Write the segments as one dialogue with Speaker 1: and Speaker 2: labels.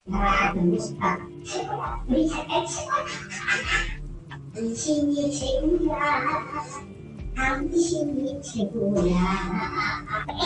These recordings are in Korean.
Speaker 1: 당신이 최고야. 당신이 최고야.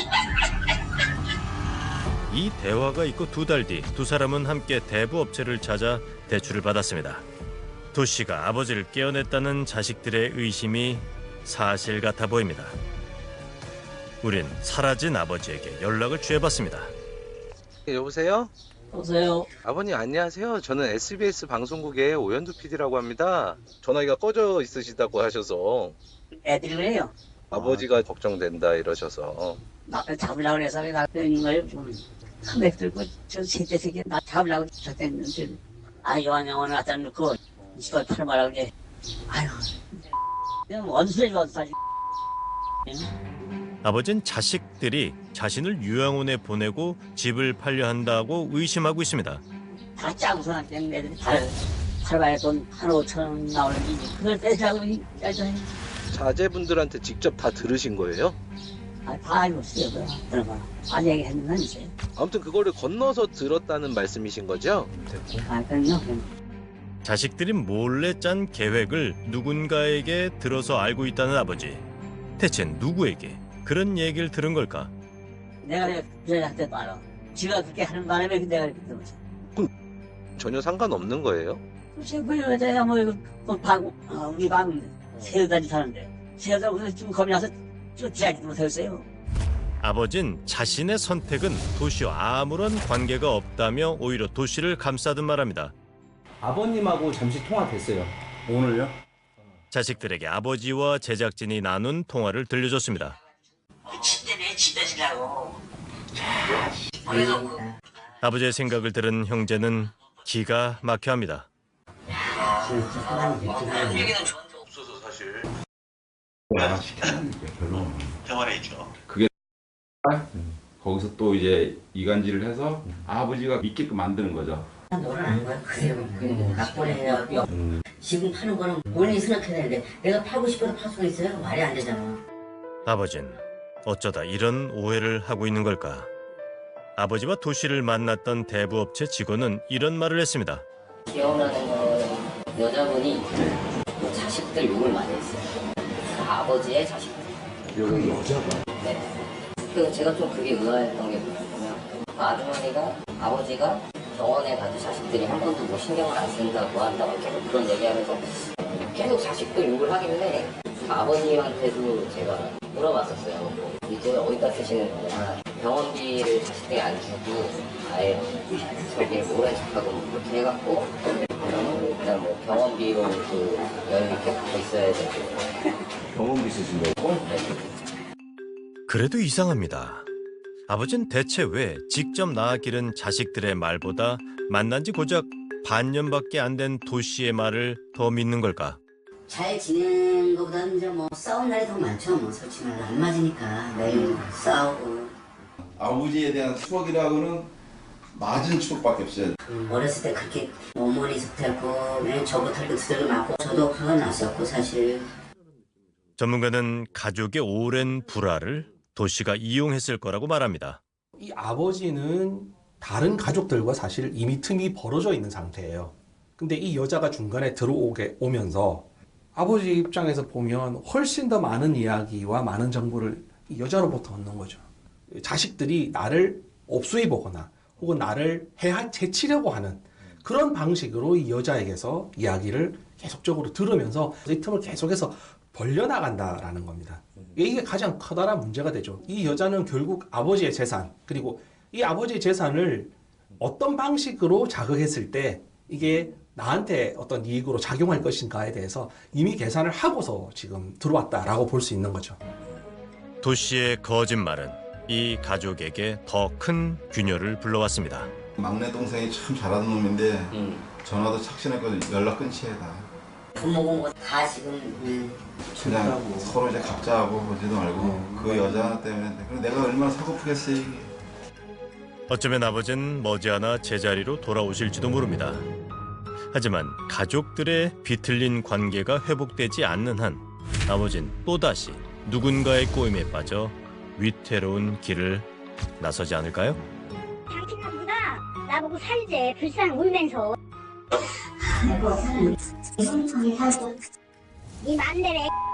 Speaker 2: 이 대화가 있고 2달 뒤 두 사람은 함께 대부업체를 찾아 대출을 받았습니다. 도씨가 아버지를 깨어냈다는 자식들의 의심이 사실 같아 보입니다. 우린 사라진 아버지에게 연락을 취해봤습니다.
Speaker 3: 여보세요?
Speaker 4: 여보세요?
Speaker 3: 아버님 안녕하세요. 저는 SBS 방송국의 오연두 PD라고 합니다. 전화기가 꺼져 있으시다고 하셔서
Speaker 4: 애들이 그래요.
Speaker 3: 아버지가 걱정된다 이러셔서.
Speaker 4: 나를 잡으려고 해서 나 있는 거예요. 컴백 들고 저 세대 세계 나 잡으려고 저랬는데 요한영원을 갖다 놓고 이걸 팔아말하고 이제 아유 그냥 원수를 원수하지.
Speaker 2: 아버진 자식들이 자신을 요양원에 보내고 집을 팔려 한다고 의심하고 있습니다.
Speaker 4: 다 짜고서 한테 애들이 팔아봐야 돈 한 5천 원 나오는지 그걸 떼자고 짜잖아요.
Speaker 3: 자제분들한테 직접 다 들으신 거예요?
Speaker 4: 다 알고 있어요. 그런 거. 안 얘기했는 건 있어요.
Speaker 3: 아무튼 그거를 건너서 들었다는 말씀이신 거죠?
Speaker 4: 그럼요.
Speaker 2: 자식들이 몰래 짠 계획을 누군가에게 들어서 알고 있다는 아버지. 대체 누구에게 그런 얘기를 들은 걸까?
Speaker 4: 내가 그 여자한테도 알아. 지가 그렇게 하는 바람에 내가 그렇게 들었어.
Speaker 3: 전혀 상관없는 거예요?
Speaker 4: 글쎄 그 여자야 우리 방 새우다니 사는데 새우다 그래서 좀 겁이 나서 쫓아지도 못했어요.
Speaker 2: 아버진 자신의 선택은 도씨와 아무런 관계가 없다며 오히려 도씨를 감싸듯 말합니다.
Speaker 5: 아버님하고 잠시 통화됐어요. 오늘요?
Speaker 2: 자식들에게 아버지와 제작진이 나눈 통화를 들려줬습니다.
Speaker 4: 침대네 침대 지라고.
Speaker 2: 아버지의 생각을 들은 형제는 기가 막혀합니다.
Speaker 4: 얘기는 좋은데
Speaker 3: 없어서 사실.
Speaker 6: 병원에 있죠.
Speaker 7: 거기서 또 이제 이간질을 해서 아버지가 믿게끔 만드는 거죠.
Speaker 8: 너는 아는 거야. 그대로 낙본해갖고 지금 파는 거는 본인이 생각해야 되는데 내가 팔고 싶어서 팔 수가 있어요? 말이 안 되잖아.
Speaker 2: 아버진 어쩌다 이런 오해를 하고 있는 걸까? 아버지와 도씨를 만났던 대부업체 직원은 이런 말을 했습니다.
Speaker 8: 기억나는 거는 여자분이 자식들 욕을 많이 했어요. 아버지의 자식들.
Speaker 7: 여기 여자가?
Speaker 8: 네. 그래서 제가 좀 그게 의아했던 게 뭐냐면 아주머니가 아버지가 병원에 가도 자식들이 한 번도 뭐 신경을 안 쓴다고 한다고 계속 그런 얘기하면서 계속 자식들 욕을 하길래 아버님한테도 제가 물어봤었어요. 이제 어디다 쓰시는 거냐. 병원비를 자식들이 안 주고 아예 저기 모른 척하고 그렇게 해갖고 일단 뭐 병원비로 그 여유 있게 받고 있어야 되고.
Speaker 7: 병원비 쓰신다고?
Speaker 2: 그래도 이상합니다. 아버진 대체 왜 직접 낳아 기른 자식들의 말보다 만난 지 고작 반년밖에 안 된 도씨의 말을 더 믿는 걸까?
Speaker 8: 잘 지내는 것보다는 이제 뭐 싸운 날이 더 많죠. 뭐 솔직히 말로 안 맞으니까 매일 싸우고.
Speaker 7: 아버지에 대한 추억이라고는 맞은 추억밖에 없어요.
Speaker 8: 어렸을 때 그렇게 어머니 속탈고 맨 저부터 털고 두들겨 맞고 저도 화가 났었고 사실.
Speaker 2: 전문가는 가족의 오랜 불화를 도씨가 이용했을 거라고 말합니다.
Speaker 5: 이 아버지는 다른 가족들과 사실 이미 틈이 벌어져 있는 상태예요. 근데 이 여자가 중간에 오면서 아버지 입장에서 보면 훨씬 더 많은 이야기와 많은 정보를 이 여자로부터 얻는 거죠. 자식들이 나를 업수해 보거나 혹은 나를 해치려고 하는 그런 방식으로 이 여자에게서 이야기를 계속적으로 들으면서 이 틈을 계속해서 벌려나간다라는 겁니다. 이게 가장 커다란 문제가 되죠. 이 여자는 결국 아버지의 재산, 그리고 이 아버지의 재산을 어떤 방식으로 자극했을 때 이게 나한테 어떤 이익으로 작용할 것인가에 대해서 이미 계산을 하고서 지금 들어왔다라고 볼 수 있는 거죠.
Speaker 2: 도씨의 거짓말은 이 가족에게 더 큰 균열을 불러왔습니다.
Speaker 7: 막내 동생이 참 잘하는 놈인데 전화도 착신했거든. 연락 끊지 해 다.
Speaker 8: 부모고 뭐 다 지금
Speaker 7: 그냥 서로 이제 각자하고 보지도 말고 그 여자 때문에 그럼 내가 얼마나 서글프겠어요 이게.
Speaker 2: 어쩌면 아버지는 머지않아 제자리로 돌아오실지도 모릅니다. 하지만 가족들의 비틀린 관계가 회복되지 않는 한 아버지는 또다시 누군가의 꼬임에 빠져 위태로운 길을 나서지 않을까요?
Speaker 1: 당신은 누가 나보고 살재 불쌍 울면서 이 맘대로